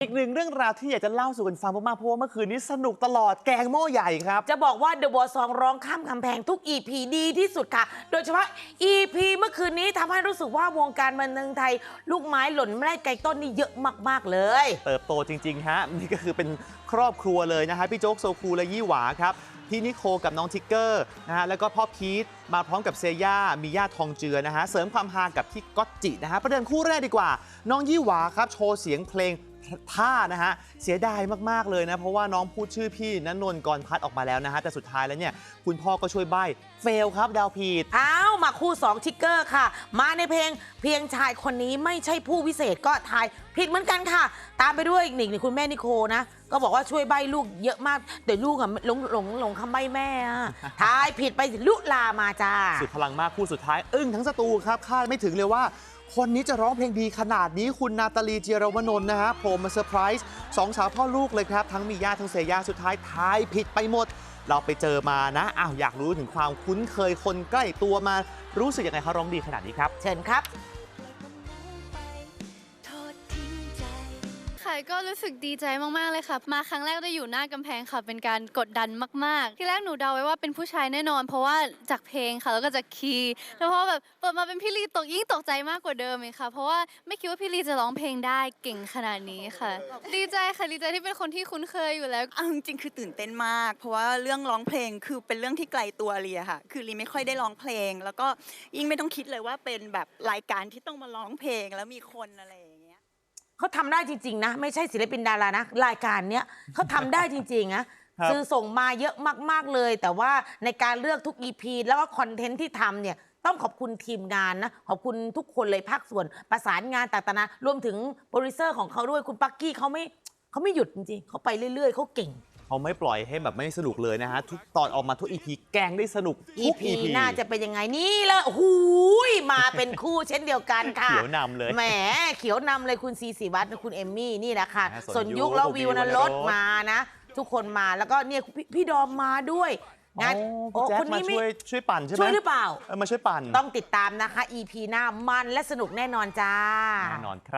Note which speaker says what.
Speaker 1: อีกหนึ่งเรื่องราวที่อยากจะเล่าสู่กันฟังมากๆเพราะว่าเมื่อคืนนี้สนุกตลอดแกงหม้อใหญ่ครับ
Speaker 2: จะบอกว่า The War Song ร้องข้ามกำแพงทุก EP ดีที่สุดค่ะ โดยเฉพาะ EP เมื่อคืนนี้ทำให้รู้สึกว่าวงการบันเทิงไทย ลูกไม้หล่นไม่ได้ไกลต้นนี่เยอะมากๆเลย
Speaker 1: เติบโตจริงๆฮะนี่ก็คือเป็นครอบครัวเลยนะฮะพี่โจ๊กโซคูและยี่หวาครับพี่นิโคกับน้องทิกเกอร์นะฮะแล้วก็พ่อพีทมาพร้อมกับเซย่ามีย่าทองเจือนะฮะเสริมความฮากับพี่ก๊อตจินะฮะประเดิมคู่แรกดีกว่า น้องยี่หวาครับโชว์เสียงเพลงท่านะฮะเสียดายมากๆเลยนะเพราะว่าน้องพูดชื่อพี่ณนนท์กรพัฒน์ออกมาแล้วนะฮะแต่สุดท้ายแล้วเนี่ยคุณพ่อก็ช่วยใบ้เฟลครับดาวผิด
Speaker 2: อ้าวมาคู่2ทิกเกอร์ค่ะ มาในเพลงเพียงชายคนนี้ไม่ใช่ผู้วิเศษก็ทายผิดเหมือนกันค่ะ ตามไปด้วยอีกหนึ่งคุณแม่นิโคนะ ก็บอกว่าช่วยใบ้ลูกเยอะมากแต่ลูกอะหลงคำใบ้แม่อะทายผิดไปลุลามาจ้า
Speaker 1: สุดพลังมากคู่สุดท้ายอึ้งทั้งสตูครับคาดไม่ถึงเลยว่า คนนี้จะร้องเพลงดีขนาดนี้คุณนาตาลีเจียรวนนท์นะฮะโผล่มาเซอร์ไพรส์สองสาวพ่อลูกเลยครับ ทั้งมีย่าทั้งเซย่าสุดท้ายทายผิดไปหมด เราไปเจอมานะอ้าวอยากรู้ถึงความคุ้นเคยคนใกล้ตัวมารู้สึกยังไงเขาร้องดีขนาดนี้ครับ
Speaker 2: เชิญครับ
Speaker 3: ค่ะก็รู้สึกดีใจมากๆเลยค่ะมาครั้งแรกได้อยู่หน้ากำแพงค่ะเป็นการกดดันมากๆที่แรกหนูเดาไว้ว่าเป็นผู้ชายแน่นอน เพราะว่าจากเพลงค่ะแล้วก็จากคีย์แล้วพอแบบเปิดมาเป็นพี่ลียิ่งตกใจมากกว่าเดิมเลยค่ะเพราะว่าไม่คิดว่าพี่ลีจะร้องเพลงได้เก่งขนาดนี้ค่ะ ดีใจค่ะดีใจที่เป็นคนที่คุ้นเคยอยู่แล้ว
Speaker 4: เอาจริงๆคือตื่นเต้นมาก เพราะว่าเรื่องร้องเพลงคือเป็นเรื่องที่ไกลตัวลีอะค่ะ คือลีไม่ค่อยได้ร้องเพลง แล้วก็ยิ่งไม่ต้องคิดเลยว่าเป็นแบบรายการที่ต้องมาร้องเพลงแล้วมีคนอะไรอย่างเงี้ย
Speaker 2: เขาทำได้จริงๆนะไม่ใช่ศิลปินดารานะรายการเนี้ยเขาทำได้จริงๆนะครับ สื่อส่งมาเยอะมากๆเลย แต่ว่าในการเลือกทุก EP แล้วก็คอนเทนต์ที่ทำเนี่ยต้องขอบคุณทีมงานนะขอบคุณทุกคนเลยภาคส่วนประสานงานต่างๆนะรวมถึงโปรดิวเซอร์ของเขาด้วยคุณปักกี้เขาไม่หยุดจริงๆเขาไปเรื่อยๆเขาเก่ง
Speaker 1: เขาไม่ปล่อยให้แบบไม่สนุกเลยนะฮะทุกตอนออกมาทุก EP แกงได้สนุกทุก
Speaker 2: EP
Speaker 1: EP
Speaker 2: น่าจะเป็นยังไงนี่เลยโอ้โหมาเป็นคู่เช่นเดียวกันค่ะ
Speaker 1: เขียวนำเลย
Speaker 2: แหมเขียวนำเลยคุณซีศิวัตรคุณเอมมี่นี่แหละค่ะ
Speaker 1: ส่
Speaker 2: ส่
Speaker 1: ว
Speaker 2: วน น
Speaker 1: ยุ
Speaker 2: ยุ
Speaker 1: ค
Speaker 2: คแล้ว
Speaker 1: คุณ
Speaker 2: วิวนะ
Speaker 1: วิววรรณ
Speaker 2: ร
Speaker 1: ร
Speaker 2: ถ
Speaker 1: ส
Speaker 2: มานะ ทุกคนมาแล้วก็เนี่ยพี่ดอมมาด้วยงาน
Speaker 1: โอ้พี่แจ๊ค
Speaker 2: คน
Speaker 1: มา
Speaker 2: นี้ไม่
Speaker 1: ช่วยปั่นใช่ไหม
Speaker 2: ช่วยหรือเปล่า
Speaker 1: มาช่วยปั่น
Speaker 2: ต้องติดตามนะคะ EP หน้ามันและสนุกแน่นอนจ้า
Speaker 1: แน่นอนครับ